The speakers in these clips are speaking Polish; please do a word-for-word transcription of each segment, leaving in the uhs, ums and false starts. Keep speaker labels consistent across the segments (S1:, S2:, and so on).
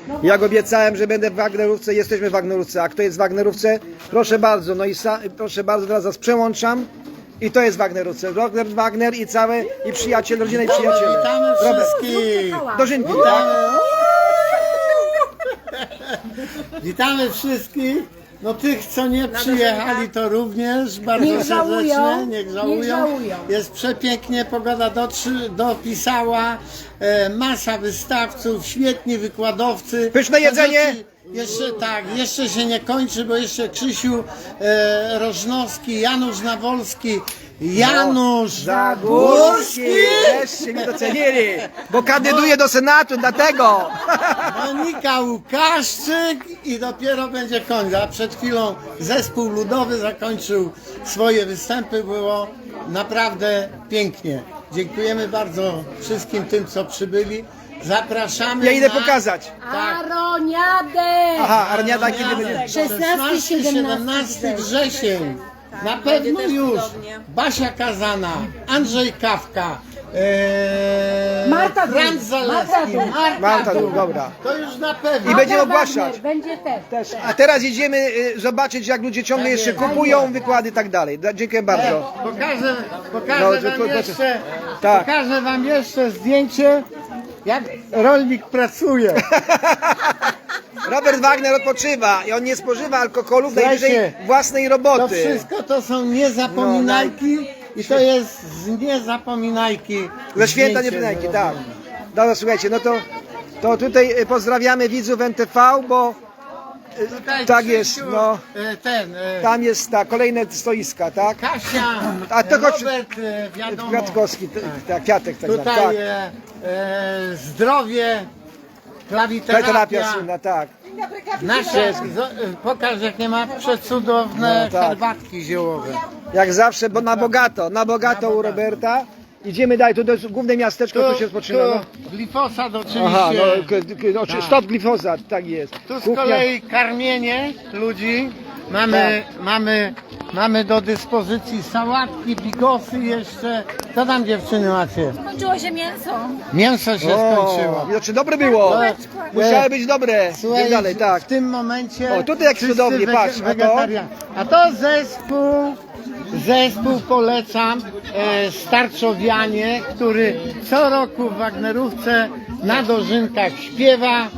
S1: Jak obiecałem, że będę w Wagnerówce, jesteśmy w Wagnerówce. A kto jest w Wagnerówce? Proszę bardzo, no i sa, proszę bardzo, teraz was przełączam. I to jest w Wagnerówce. Robert Wagner i całe, i przyjaciel, rodzina i przyjaciele.
S2: Witamy
S1: Robert,
S2: wszystkich!
S1: dożynki, tak?
S2: Witamy wszystkich! No tych, co nie przyjechali, to również bardzo
S3: Niech żałują,
S2: serdecznie, niech żałują.
S3: niech żałują.
S2: Jest przepięknie, pogoda dotrzy, dopisała, e, masa wystawców, świetni wykładowcy.
S1: Pyszne jedzenie.
S2: To rzeczy Jeszcze tak, jeszcze się nie kończy, bo jeszcze Krzysiu e, Rożnowski, Janusz Nawolski, Janusz
S1: Zagórski! Wreszcie mnie docenili, bo kandyduję do Senatu, dlatego!
S2: Monika Łukaszczyk i dopiero będzie koniec. A przed chwilą zespół ludowy zakończył swoje występy. Było naprawdę pięknie. Dziękujemy bardzo wszystkim tym, co przybyli. Zapraszamy.
S1: Ja idę
S2: na...
S1: pokazać.
S3: Aroniadę!
S1: Aha, Arniada kiedy będzie?
S3: szesnasty, siedemnasty
S2: wrzesień. Na pewno już Basia Kazana, Andrzej Kawka, ee,
S3: Marta Dum.
S2: Franz Zalewski,
S3: Marta Dum.
S2: Marta
S1: Marta Dum,
S2: Dum.
S1: dobra.
S2: To już na pewno.
S1: I będziemy
S3: Wagner
S1: ogłaszać.
S3: Będzie też.
S1: A teraz idziemy y, zobaczyć, jak ludzie ciągle jeszcze kupują wykłady i tak dalej. Da- Dziękuję bardzo.
S2: Pokażę, pokażę
S1: No,
S2: wam
S1: tylko-
S2: jeszcze,
S1: Tak.
S2: pokażę wam jeszcze zdjęcie, jak rolnik pracuje.
S1: Robert Wagner odpoczywa i on nie spożywa alkoholu, najwyżej
S2: Słuchajcie,
S1: własnej
S2: To
S1: roboty.
S2: wszystko to są niezapominajki i to jest z niezapominajki.
S1: Ze święta
S2: zdjęcie
S1: niepominajki, tak.
S2: zrobione.
S1: Dobra, słuchajcie, no to, to tutaj y, pozdrawiamy widzów N T V, bo y,
S2: Tutaj
S1: tak
S2: Krzysiu,
S1: jest, no.
S2: e, Ten, e,
S1: Tam jest ta kolejne stoiska, tak?
S2: Kasia,
S1: A to chodź-
S2: Robert, e, wiadomo.
S1: Kwiatkowski, t- tak, Kwiatek tak zwany,
S2: Tutaj
S1: tak.
S2: e, e, zdrowie,
S1: Terapia
S2: klawiterapia.
S1: słynna, tak.
S2: Nasze, zo- e, pokaż jak nie ma przecudowne
S1: No, tak.
S2: herbatki ziołowe.
S1: Jak zawsze, bo na bogato, na bogato u Roberta. Idziemy dalej, tu to jest główne miasteczko, tu się spoczyna. No.
S2: tu glifosat oczywiście.
S1: Aha, no, k- k- no
S2: Tak.
S1: stop glifozat, tak jest.
S2: Tu z
S1: Kuchnia-
S2: kolei karmienie ludzi. Mamy, mamy, mamy do dyspozycji sałatki, bigosy jeszcze. Co tam dziewczyny macie?
S4: Skończyło się mięso.
S2: Mięso się
S1: O,
S2: skończyło.
S1: widocznie dobre było.
S2: No,
S1: Musiały być dobre.
S2: Słuchaj,
S1: I dalej, tak.
S2: w tym momencie.
S1: O, tutaj jak
S2: wszyscy
S1: cudownie,
S2: wege-
S1: patrz, a to?
S2: wegetarian- A to zespół, zespół polecam, e, Starczowianie, który co roku w Wagnerówce na dożynkach śpiewa.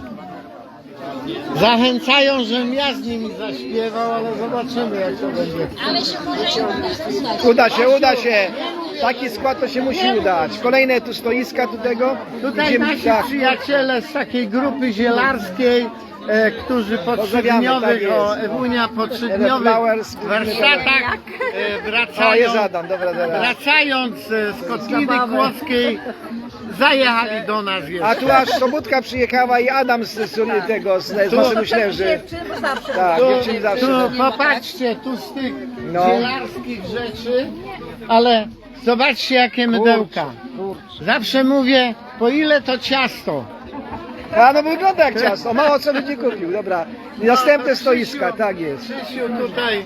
S2: Zachęcają, żebym ja z nimi zaśpiewał, ale zobaczymy jak to będzie.
S4: Ale się może udać.
S1: Uda się, uda się. Taki skład to się musi udać. Kolejne tu stoiska tu tego.
S2: Tutaj
S1: Idziemy-
S2: nasi
S1: tak.
S2: przyjaciele z takiej grupy zielarskiej, e, którzy po trzydniowych,
S1: tak
S2: o,
S1: jest.
S2: Ewunia po trzydniowych
S1: Flowers,
S2: warsztatach e, wracają,
S1: O, jest Adam, dobra, dobra.
S2: wracając e, z Kotliny Kłodzkiej, zajechali do nas
S1: A
S2: jeszcze.
S1: tu aż Sobutka przyjechała i Adam z, z tego, z, z naszym ślęży. Tak,
S2: Tu,
S1: dziewczyny zawsze.
S2: tu popatrzcie, tu z tych
S1: No.
S2: zielarskich rzeczy, ale zobaczcie jakie mydełka. Zawsze mówię, po ile to ciasto?
S1: A no wygląda jak ciasto, mało co by nie kupił, dobra. I następne stoiska, tak jest.
S2: Krzysiu tutaj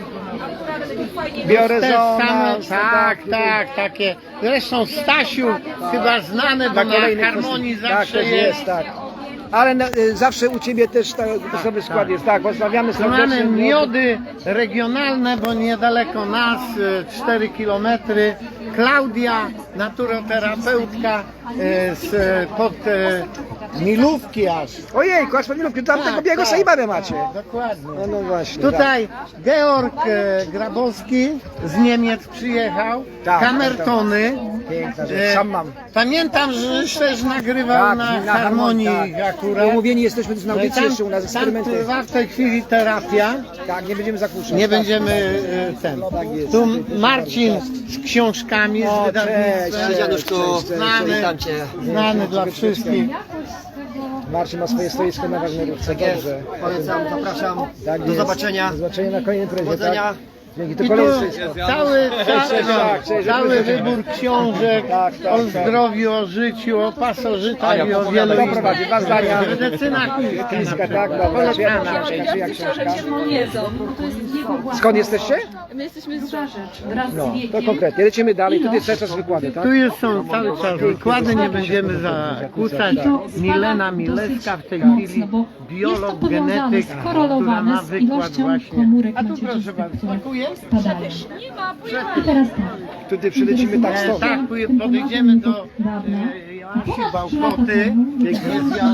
S1: Biorę
S2: te
S1: zona,
S2: same, tak, tak, takie. Zresztą Stasiu chyba znany, bo na
S1: kolejnych
S2: harmonii
S1: stoiskach.
S2: zawsze
S1: Tak, to
S2: jest.
S1: jest, tak. Ale na, y, zawsze u Ciebie też ta, sobie skład jest, tak, pozdrawiamy
S2: Tu mamy
S1: serdecznie.
S2: miody regionalne, bo niedaleko nas, y, cztery kilometry. Klaudia, naturoterapeutka y, z, pod y, Milówki aż.
S1: Ojejku, aż Milówki, tam tego białego Saibabę macie.
S2: Dokładnie.
S1: No, no właśnie.
S2: Tutaj Georg e, Grabowski z Niemiec przyjechał,
S1: Tak,
S2: kamertony.
S1: tak. Piękna rzecz,
S2: E,
S1: sam mam.
S2: Pamiętam, że też nagrywał
S1: Tak,
S2: na, harmonii
S1: tak.
S2: akurat.
S1: Umówieni jesteśmy tu na audycji
S2: Tam,
S1: jeszcze u nas,
S2: tam
S1: eksperymenty.
S2: trwa w tej chwili terapia.
S1: Tak, nie będziemy zakłócać.
S2: Nie
S1: tak.
S2: będziemy e, ten.
S1: Tak jest.
S2: Tu Marcin z książkami, z
S1: O, cześć,
S2: wydawnictwem.
S1: cześć,
S5: Januszku,
S1: cześć, cześć,
S2: znany,
S5: witam cię.
S2: znany dla wszystkich.
S1: Marcin ma swoje stoisko na Wagnerówce,
S5: Tak jest.
S1: dobrze.
S5: Polecam, zapraszam.
S1: Tak
S5: Do
S1: jest.
S5: zobaczenia.
S1: Do zobaczenia na kolejnej imprezie,
S5: Powodzenia.
S1: tak? Dzięki, to
S2: I tu
S1: kolejny.
S2: cały, cały,
S1: tak, cześć,
S2: cały
S1: cześć.
S2: wybór książek
S1: Tak, tak,
S2: o
S1: tak.
S2: zdrowiu, o życiu, o pasożytach i o wielu
S1: Kto
S2: innych.
S1: prowadzi? Dwa zdania.
S2: Medycyna
S1: Chińska, tak, dobra. Świetna książka, czyja książka? Skąd jesteście?
S4: My jesteśmy z Żarzecz.
S1: No, to konkretnie. Lecimy dalej. Tutaj cały czas wykłady, tak?
S2: Tu jest, są cały czas wykłady, nie będziemy zakłócać. Milena Milewska w tej chwili, biolog, genetyk, która ma wykład właśnie. A tu proszę bardzo, smakuje?
S3: I teraz tak.
S1: Tutaj przylecimy tak
S2: E,
S1: stąd.
S2: tak, tu podejdziemy do e, Joasi Bałkoty. Jest,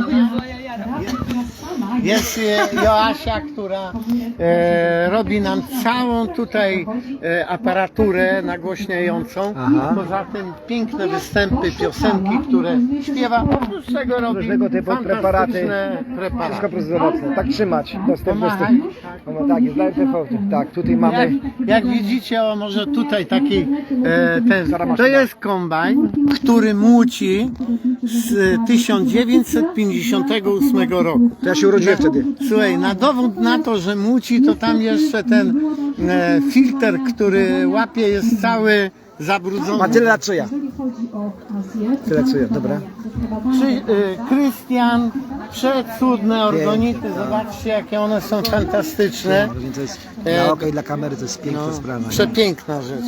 S2: Jo- jest e, Joasia, która e, robi nam całą tutaj e, aparaturę nagłośniającą.
S1: Aha.
S2: Poza tym piękne występy, piosenki, które śpiewa. Oprócz tego robi
S1: Różnego typu preparaty.
S2: fantastyczne
S1: Wszystko
S2: preparaty.
S1: prozdrowotne. Tak trzymać. Dostęp,
S2: Pomachaj.
S1: dostęp. No tak, jest dla R T V. Tak, tutaj
S2: Jak,
S1: mamy.
S2: jak widzicie, o może tutaj taki e, ten,
S1: Stara
S2: to
S1: maszyna.
S2: jest kombajn, który młóci z tysiąc dziewięćset pięćdziesiątego ósmego roku.
S1: To ja się urodziłem wtedy.
S2: Słuchaj, na dowód na to, że młóci, to tam jeszcze ten e, filtr, który łapie, jest cały zabrudzony.
S1: Ma tyle lat co ja. Tyle co ja, dobra.
S2: Czy, e, Krystian, przecudne organity, zobaczcie jakie one są fantastyczne.
S1: To jest
S2: E,
S1: dla oka i dla kamery to jest piękna sprawa. nie?
S2: Przepiękna rzecz.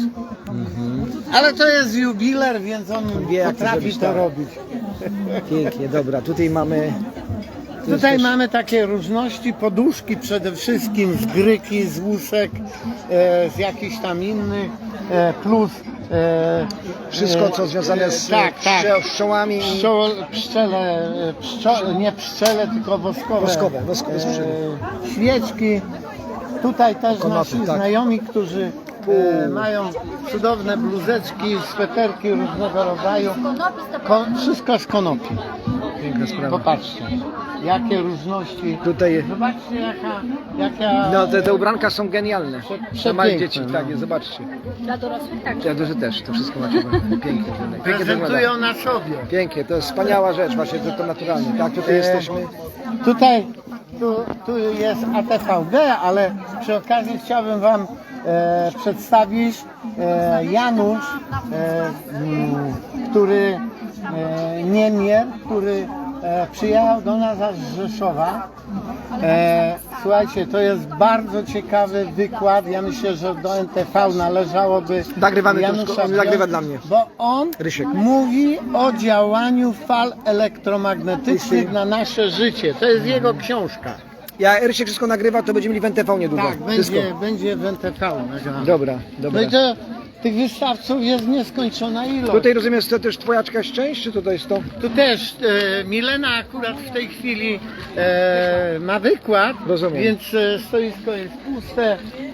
S2: Ale to jest jubiler, więc on
S1: wie, jak to
S2: potrafi
S1: zrobić,
S2: to
S1: tak.
S2: robić.
S1: Pięknie, dobra. Tutaj mamy. tu jest
S2: Tutaj
S1: też-
S2: mamy takie różności, poduszki przede wszystkim z gryki, z łusek, e, z jakichś tam innych, e, plus e,
S1: Wszystko, co związane z
S2: tak, tak.
S1: pszczo- pszczołami i
S2: Pszczo, pszczele, e, pszczo, nie pszczele, tylko woskowe,
S1: Woskowe, woskowe pszczele.
S2: e, świeczki. Tutaj też
S1: Konopy,
S2: nasi
S1: tak.
S2: znajomi, którzy e, mają cudowne bluzeczki, sweterki różnego rodzaju. Ko, wszystko z konopi.
S1: piękna sprawa.
S2: Popatrzcie, jakie różności.
S1: Tutaj.
S2: Zobaczcie jaka, jaka
S1: No te, te ubranka są genialne.
S2: Prze-
S1: Dla małych
S2: przepiękne,
S1: dzieci,
S2: no.
S1: tak jest, zobaczcie.
S4: Dla dorosłych tak.
S1: Ja duży też, to wszystko macie pięknie. Pięknie to wygląda.
S2: prezentują na sobie.
S1: Pięknie, to jest wspaniała rzecz, właśnie to, to naturalnie. Tak, tutaj
S2: E,
S1: jesteśmy.
S2: Tutaj tu, tu jest A T V B, ale przy okazji chciałbym Wam e, przedstawić e, Janusz, e, m, który e, Niemier, który e, przyjechał do nas z Rzeszowa. E, słuchajcie, to jest bardzo ciekawy wykład. Ja myślę, że do N T V należałoby
S1: Nagrywamy to
S2: Janusza
S1: wszystko, on
S2: wziąć,
S1: nagrywa dla mnie.
S2: Bo on
S1: Rysiek.
S2: mówi o działaniu fal elektromagnetycznych na nasze życie. To jest jego książka.
S1: Ja Rysiek wszystko nagrywa, to będziemy mieli w N T V niedługo.
S2: Tak,
S1: Wszystko.
S2: będzie, będzie w N T V nagrane.
S1: Dobra,
S2: No
S1: dobra.
S2: i to tych wystawców jest nieskończona ilość.
S1: Tutaj rozumiem, jest to też twoja jakaś część, czy to jest to?
S2: Tu też e, Milena akurat w tej chwili e, ma wykład,
S1: Rozumiem.
S2: więc e, stoisko jest puste.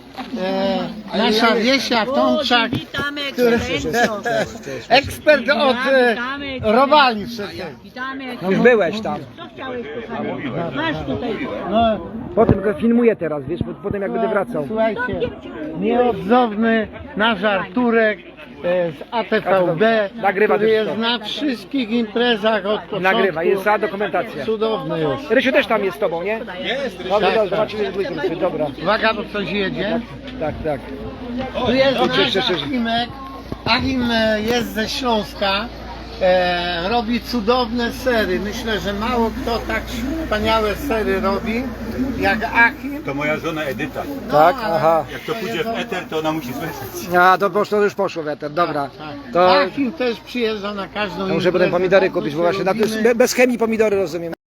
S2: E, nasza Wiesia Tomczak,
S5: Witamy,
S2: który,
S5: ekscelencjo.
S2: ekspert od e, robali przecież.
S5: Witamy.
S1: Już byłeś tam.
S5: Co chciałeś, kochany? Masz tutaj.
S2: No,
S1: Potem go filmuję teraz, wiesz, po- potem jak będę wracał.
S2: słuchajcie, nieodzowny nasz Arturek e, z A T V B,
S1: Nagrywa
S2: który
S1: też
S2: jest
S1: to.
S2: na wszystkich imprezach od początku.
S1: Nagrywa, jest cała dokumentacja.
S2: Cudowny jest.
S1: Rysiu też tam jest z tobą, nie? Jest, Rysiu. Dobra,
S2: Tak,
S1: dobra,
S2: tak.
S1: zobaczymy dwójkę, dobra.
S2: Uwaga, bo coś jedzie.
S1: Tak, tak.
S2: Tu jest
S1: Cześć,
S2: nasz
S1: cześć, cześć.
S2: Achimek. Achim e, jest ze Śląska. E, robi cudowne sery. Myślę, że mało kto tak wspaniałe sery robi jak Achim.
S6: To moja żona Edyta.
S2: No,
S1: Tak,
S2: ale
S1: aha.
S6: Jak to pójdzie w eter, to ona musi słyszeć.
S1: A, to poszło, to już poszło weter, dobra.
S2: Tak.
S1: To
S2: Achim też przyjeżdża na każdą
S1: ja muszę potem
S2: imprezę,
S1: pomidory
S2: bardzo
S1: kupić,
S2: się
S1: bo właśnie na,
S2: lubimy.
S1: be- bez chemii pomidory rozumiem.